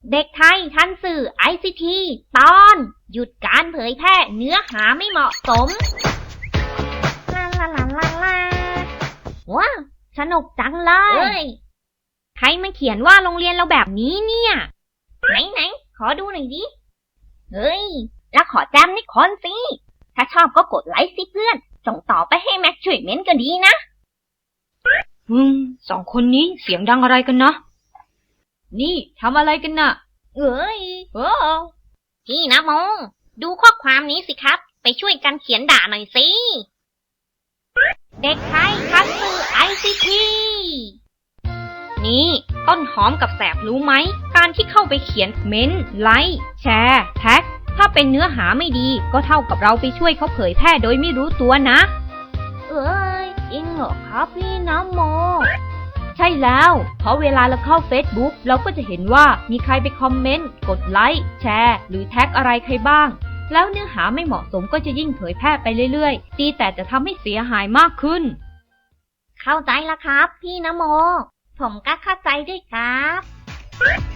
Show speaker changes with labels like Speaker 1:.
Speaker 1: เด็กไทยทันสื่อ ICT ตอนหยุดการเผยแพร่เนื้อหาไม่เหมาะสมลาลาลาลาลาว้าวสนุกจังเลยใครมาเขียนว่าโรงเรียนเราแบบนี้เนี่ยไหนขอดูหน่อยดิเฮ้ยแล้วขอแจมนิคนสิถ้าชอบก็กดไลค์สิเพื่อนส่งต่อไปให้แม็กช่วยเม้นก็ดีนะ
Speaker 2: สองคนนี้เสียงดังอะไรกันนะนี่ทำอะไรกันน่ะ
Speaker 1: พี่นะโมดูข้อความนี้สิครับไปช่วยกันเขียนด่าหน่อยสิเด็กไทยทันสื่อ ICT นี่ต้นหอมกับแสบรู้ไหมการที่เข้าไปเขียนเม้นไลค์แชร์แท็กถ้าเป็นเนื้อหาไม่ดีก็เท่ากับเราไปช่วยเขาเผยแพร่โดยไม่รู้ตัวนะจริงเหรอครับพี่น้ำโมใช่แล้วเพราะเวลาเราเข้า Facebook เราก็จะเห็นว่ามีใครไปคอมเมนต์กดไลค์แชร์หรือแท็กอะไรใครบ้างแล้วเนื้อหาไม่เหมาะสมก็จะยิ่งเผยแพร่ไปเรื่อยๆดีแต่จะทำให้เสียหายมากขึ้นเข้าใจแล้วครับพี่น้ำโมผมก็เข้าใจด้วยครับ